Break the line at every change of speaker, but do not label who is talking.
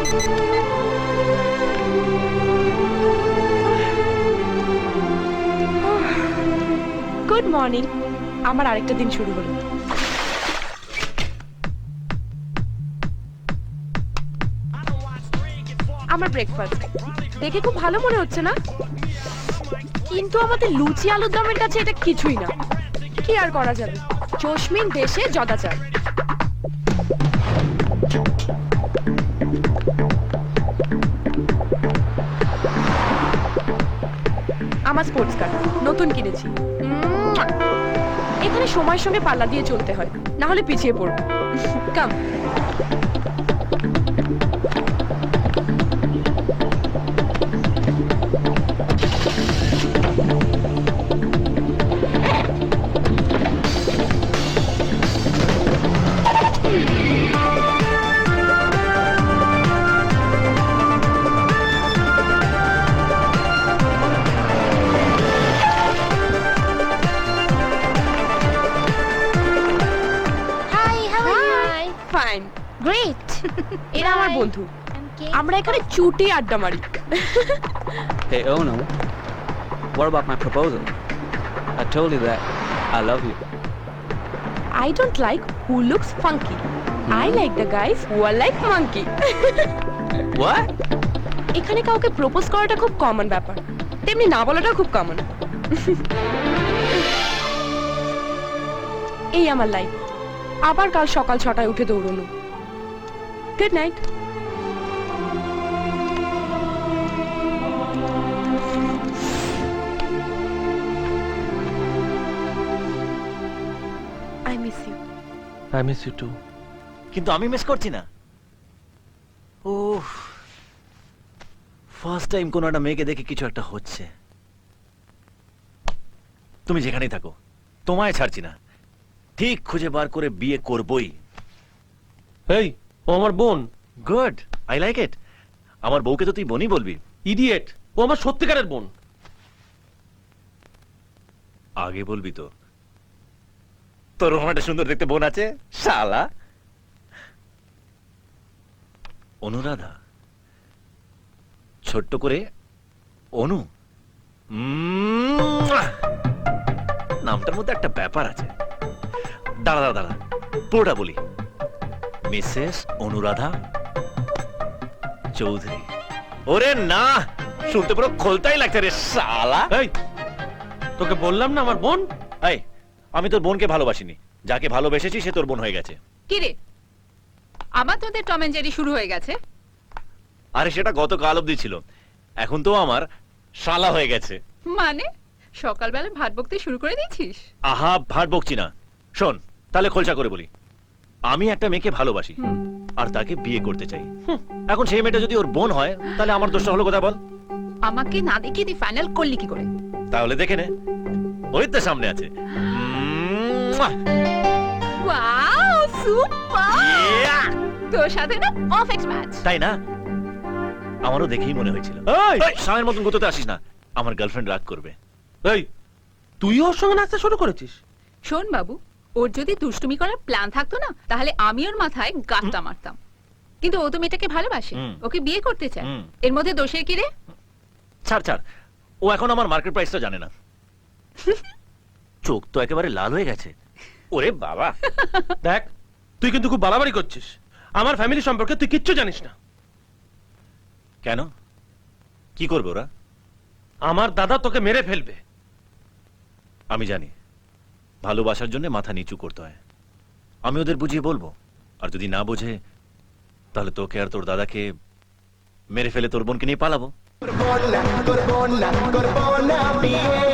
Good morning. আমার আরেকটা দিন শুরু হলো। আমার ব্রেকফাস্ট দেখে খুব ভালো মনে হচ্ছে না, কিন্তু আমাদের লুচি আলুর দমের কাছে এটা কিছুই না। কি আর করা যাবে, জসমিন দেশে জদাচার। আমার স্পোর্টস কার নতুন কিনেছি। এখানে সময়ের সঙ্গে পাল্লা দিয়ে চলতে হয়, না হলে পিছিয়ে পড়বো। কাম। Fine,
great.
এরা আমার বন্ধু। আমরা এখানে চুটি আড্ডা মারি।
Hey Ono, what about my proposal? I told you that I love you.
I don't like who looks funky. I like the guys who are like monkey.
What?
এখানে কাউকে প্রপোজ করাটা খুব কমন ব্যাপার, তেমনি না বলাটা খুব কমন। এই আমার লাইফ। আবার কাল সকাল 6টায় উঠে দৌড়ানো। Good night. I miss you.
I miss you too.
কিন্তু আমি মিস করছি না। ও ফার্স্ট টাইম কোনো একটা মেয়েকে দেখে কিছু একটা হচ্ছে। তুমি যেখানেই থাকো, তোমায় ছাড়ছি না। ঠিক খুঁজে বার করে বিয়ে করবই।
এই, ও আমার বোন।
Good, I like it. আমার বউকে তো তুই বোনই বলবি।
ইডিয়েট, ও আমার সত্যিকারের বোন।
আগে বলবি তো, তোর ওরকম একটা সুন্দর দেখতে বোন আছে শালা। অনুরাধা, ছোট্ট করে অনু। নামটার মধ্যে একটা ব্যাপার আছে। দাঁড়া দাঁড়া দাঁড়া, পুরোটা বলি। মিসেস অনুরাধা চৌধুরী। ওরে না, শুনতে পুরো খোলতাই লাগছে রে শালা।
এই, তোকে বললাম না আমার বোন।
এই, আমি তোর বোনকে ভালোবাসিনি। যাকে ভালোবেসেছি সে তোর বোন হয়ে গেছে।
কি রে, আবার তোদের টম এন্ড জেরি শুরু হয়ে গেছে?
আরে সেটা গতকাল অবধি ছিল, এখন তো আমার শালা হয়ে গেছে।
মানে সকালবেলা ভাত বকতে শুরু করে দিয়েছিস?
আহা, ভাট বকছি না। শোন, তাহলে খোলসা করে বলি। আমি একটা মেয়েকে ভালোবাসি আর তাকে বিয়ে করতে চাই। এখন সেই মেয়েটা যদি ওর বোন হয়, তাহলে আমার দোষটা হলো কোথায় বল?
আমাকে না দেখিয়ে তুই ফাইনাল করলি কি করে?
তাহলে দেখে নে, ওই তো সামনে আছে।
Wow, super!
Yeah!
তোর সাথে না পারফেক্ট ম্যাচ।
তাই না? আমারও দেখেই মনে হয়েছিল।
এই,
এই, স্বামীর মতন গুতোতে আসিস না, আমার গার্লফ্রেন্ড রাগ করবে।
এই, তুই ওর সঙ্গে নাচতে শুরু করেছিস?
শোন বাবু, ওর যদি দুষ্টুমি করার প্ল্যান থাকতো না, তাহলে আমি ওর মাথায় গাঁটটা মারতাম। কিন্তু ও তো মেয়েটাকে ভালোবাসে, ওকে বিয়ে করতে চায়। এর মধ্যে দোষের কি রে?
ছাড় ছাড়, ও এখন আমার মার্কেট প্রাইসটা জানে না। চোখ তো একেবারে লাল হয়ে গেছে। ওরে বাবা!
দেখ, তুই কিন্তু খুব বাড়াবাড়ি করছিস। আমার ফ্যামিলি সম্পর্কে তুই কিচ্ছু জানিস না।
কেন? কি করবে ওরা?
আমার দাদা তোকে মেরে ফেলবে।
আমি জানি, ভালোবাসার জন্য মাথা নিচু করতে হয়। আমি ওদের বুঝিয়ে বলবো, আর যদি না বোঝে তাহলে তোকে আর তোর দাদাকে মেরে ফেলে তোর বোনকে নিয়ে পালাবো।